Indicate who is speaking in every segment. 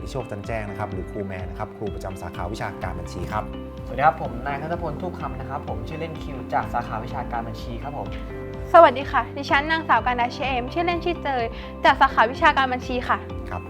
Speaker 1: โชคจันแจ้งนะครับหรือครูแมนนะครับครูประจำสาขาวิชาการบัญชีครับ
Speaker 2: สวัสดีครับผมนายธนพลทูบคำนะครับผมชื่อเล่นคิวจากสาขาวิชาการบัญชีครับผม
Speaker 3: สวัสดีค่ะดิฉันนางสาวการดาเชมชื่อเล่นชื่อเจยจากสาขาวิชาการบัญชีค่ะ
Speaker 1: ครับ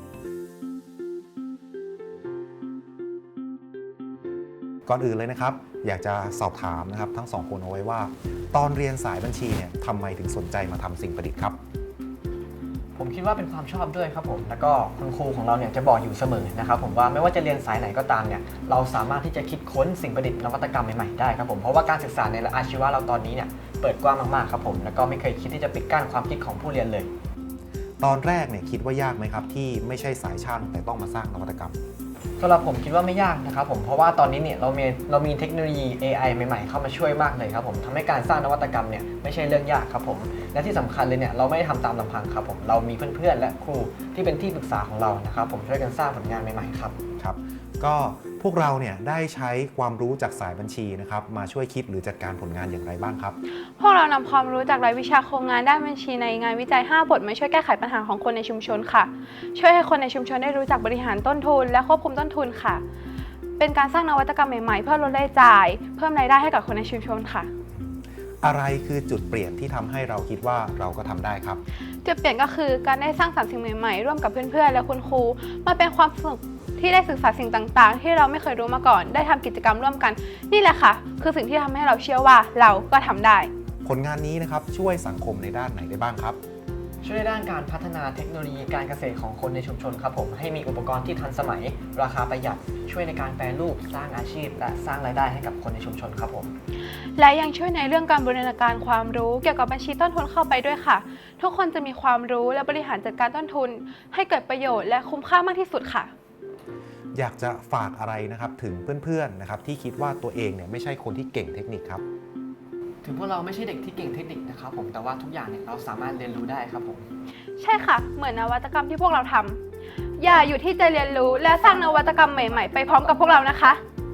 Speaker 1: ก่อนอื่นเลยนะครับอยากจะสอบถามนะครับทั้งสองคนเอาไว้ว่าตอนเรียนสายบัญชีเนี่ยทำไมถึงสนใจมาทำสิ่งประดิษฐ์ครับ
Speaker 2: ผมคิดว่าเป็นความชอบด้วยครับผมแล้วก็คุณครูของเราเนี่ยจะบอกอยู่เสมอนะครับผมว่าไม่ว่าจะเรียนสายไหนก็ตามเนี่ยเราสามารถที่จะคิดค้นสิ่งประดิษฐ์นวัตกรรมใหม่ๆได้ครับผมเพราะว่าการศึกษาในอาชีวะเราตอนนี้เนี่ยเปิดกว้างมากๆครับผมแล้วก็ไม่เคยคิดที่จะปิดกั้นความคิดของผู้เรียนเลย
Speaker 1: ตอนแรกเนี่ยคิดว่ายากไหมครับที่ไม่ใช่สายช่างแต่ต้องมาสร้างนวัตกรรม
Speaker 2: สำหรับผมคิดว่าไม่ยากนะครับผมเพราะว่าตอนนี้เนี่ยเรามีเทคโนโลยี AI ใหม่ๆเข้ามาช่วยมากเลยครับผมทำให้การสร้างนวัตกรรมเนี่ยไม่ใช่เรื่องยากครับผมและที่สำคัญเลยเนี่ยเราไม่ได้ทำตามลำพังครับผมเรามีเพื่อนๆและครูที่เป็นที่ปรึกษาของเรานะครับผมช่วยกันสร้างผลงานใหม่ๆครับ
Speaker 1: ครับก็พวกเราเนี่ยได้ใช้ความรู้จากสายบัญชีนะครับมาช่วยคิดหรือจัดการผลงานอย่างไรบ้างครับ
Speaker 3: พวกเรานำความรู้จากรายวิชาโครงงานด้านบัญชีในงานวิจัย5บทมาช่วยแก้ไขปัญหาของคนในชุมชนค่ะช่วยให้คนในชุมชนได้รู้จักบริหารต้นทุนและควบคุมต้นทุนค่ะเป็นการสร้างนวัตกรรมใหม่ๆเพื่อลดรายจ่ายเพิ่มรายได้ให้กับคนในชุมชนค่ะ
Speaker 1: อะไรคือจุดเปลี่ยนที่ทำให้เราคิดว่าเราก็ทำได้ครับ
Speaker 3: จุดเปลี่ยนก็คือการได้สร้างสรรค์สิ่งใหม่ๆร่วมกับเพื่อนๆและคุณครูมาเป็นความสนุกที่ได้ศึกษาสิ่งต่างๆที่เราไม่เคยรู้มาก่อนได้ทำกิจกรรมร่วมกันนี่แหละค่ะคือสิ่งที่ทำให้เราเชื่อว่าเราก็ทำได้
Speaker 1: ผลงานนี้นะครับช่วยสังคมในด้านไหนได้บ้างครับ
Speaker 2: ช่วยในด้านการพัฒนาเทคโนโลยีการเกษตรของคนในชุมชนครับผมให้มีอุปกรณ์ที่ทันสมัยราคาประหยัดช่วยในการแปรรูปสร้างอาชีพและสร้างรายได้ให้กับคนในชุมชนครับผม
Speaker 3: และยังช่วยในเรื่องการบูรณาการความรู้เกี่ยวกับบัญชีต้นทุนเข้าไปด้วยค่ะทุกคนจะมีความรู้และบริหารจัดการต้นทุนให้เกิดประโยชน์และคุ้มค่ามากที่สุดค่ะ
Speaker 1: อยากจะฝากอะไรนะครับถึงเพื่อนๆนะครับที่คิดว่าตัวเองเนี่ยไม่ใช่คนที่เก่งเทคนิคครับ
Speaker 2: ถึงพวกเราไม่ใช่เด็กที่เก่งเทคนิคนะครับผมแต่ว่าทุกอย่างเนี่ยเราสามารถเรียนรู้ได้ครับผม
Speaker 3: ใช่ค่ะเหมือนนวัตกรรมที่พวกเราทำอย่าอยู่ที่จะเรียนรู้และสร้างนวัตกรรมใหม่ๆไปพร้อมกับพวกเรานะคะ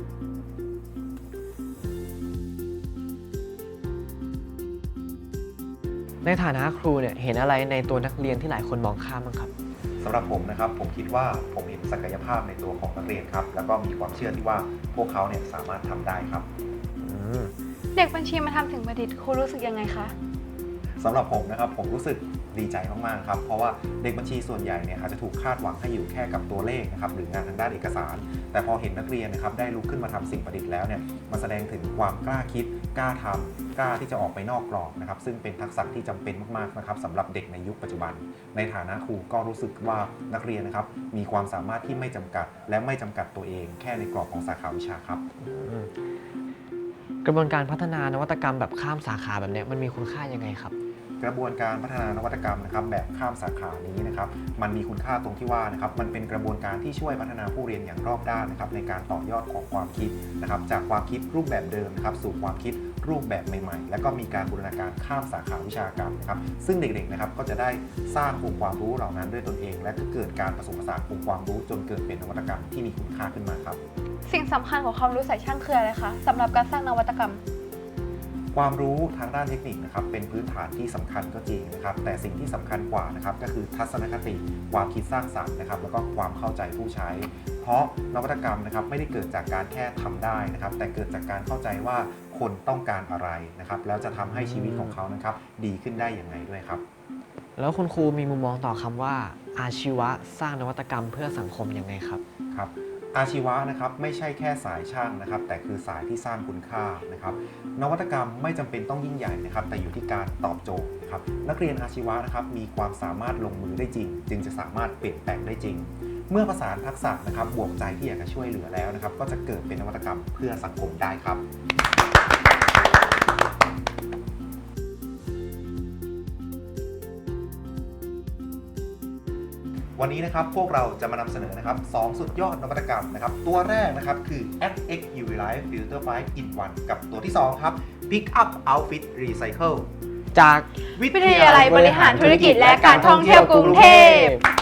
Speaker 2: ในฐานะครูเนี่ยเห็นอะไรในตัวนักเรียนที่หลายคนมองข้ามบ้างครับ
Speaker 1: สำหรับผมนะครับผมคิดว่าผมเห็นศักยภาพในตัวของนักเรียนครับแล้วก็มีความเชื่อที่ว่าพวกเขาเนี่ยสามารถทำได้ครับ
Speaker 3: เด็กบัญชีมาทำสิ่งประดิษฐ์ครูรู้สึกยังไงคะ
Speaker 1: สำหรับผมนะครับผมรู้สึกดีใจมากๆครับเพราะว่าเด็กบัญชีส่วนใหญ่เนี่ยอาจจะถูกคาดหวังให้อยู่แค่กับตัวเลขนะครับหรืองานทางด้านเอกสารแต่พอเห็นนักเรียนนะครับได้ลุกขึ้นมาทำสิ่งประดิษฐ์แล้วเนี่ยมันแสดงถึงความกล้าคิดกล้าทำกล้าที่จะออกไปนอกกรอบนะครับซึ่งเป็นทักษะที่จำเป็นมากๆนะครับสำหรับเด็กในยุคปัจจุบันในฐานะครูก็รู้สึกว่านักเรียนนะครับมีความสามารถที่ไม่จำกัดและไม่จำกัดตัวเองแค่ในกรอบของสาขาวิชาครับ
Speaker 2: กระบวนการพัฒนานวัตกรรมแบบข้ามสาขาแบบนี้มันมีคุณค่ายังไงครับ
Speaker 1: กระบวนการพัฒนานวัตกรรมนะครับแบบข้ามสาขานี้นะครับมันมีคุณค่าตรงที่ว่านะครับมันเป็นกระบวนการที่ช่วยพัฒนาผู้เรียนอย่างรอบด้านนะครับในการต่อยอดของความคิดนะครับจากความคิดรูปแบบเดิมนะครับสู่ความคิดรูปแบบใหม่ๆและก็มีการบูรณาการข้ามสาขาวิชาการนะครับซึ่งเด็กๆนะครับก็จะได้สร้างองค์ความรู้เหล่านั้นด้วยตนเองและก็เกิดการผสมผสานองค์ความรู้จนเกิดเป็นนวัตกรรมที่มีคุณค่าขึ้นมาครับ
Speaker 3: สิ่งสำคัญของความรู้สายช่างคืออะไรคะสำหรับการสร้างนวัตกรรม
Speaker 1: ความรู้ทางด้านเทคนิคนะครับเป็นพื้นฐานที่สำคัญก็จริงนะครับแต่สิ่งที่สำคัญกว่านะครับก็คือทัศนคติความคิดสร้างสรรค์นะครับแล้วก็ความเข้าใจผู้ใช้เพราะนวัตกรรมนะครับไม่ได้เกิดจากการแค่ทำได้นะครับแต่เกิดจากการเข้าใจว่าคนต้องการอะไรนะครับแล้วจะทำให้ชีวิตของเขานะครับดีขึ้นได้อย่างไรด้วยครับ
Speaker 2: แล้วคุณครูมีมุมมองต่อคำว่าอาชีวะสร้างนวัตกรรมเพื่อสังคมยังไงครับ
Speaker 1: ครับอาชีวะนะครับไม่ใช่แค่สายช่างนะครับแต่คือสายที่สร้างคุณค่านะครับนวัตกรรมไม่จำเป็นต้องยิ่งใหญ่นะครับแต่อยู่ที่การตอบโจทย์นะครับนักเรียนอาชีวะนะครับมีความสามารถลงมือได้จริงจึงจะสามารถเปลี่ยนแปลงได้จริงเมื่อประสานทักษะนะครับบวกใจที่อยากจะช่วยเหลือแล้วนะครับก็จะเกิดเป็นนวัตกรรมเพื่อสังคมได้ครับวันนี้นะครับพวกเราจะมานำเสนอนะครับ2สุดยอดนวัตกรรมนะครับตัวแรกนะครับคือ FX UV Light Filter 5 in 1กับตัวที่2ครับ Pick Up Outfit Recycle
Speaker 2: จาก
Speaker 3: วิทยาลัยบริหารธุรกิจและการท่องเที่ยวกรุงเทพ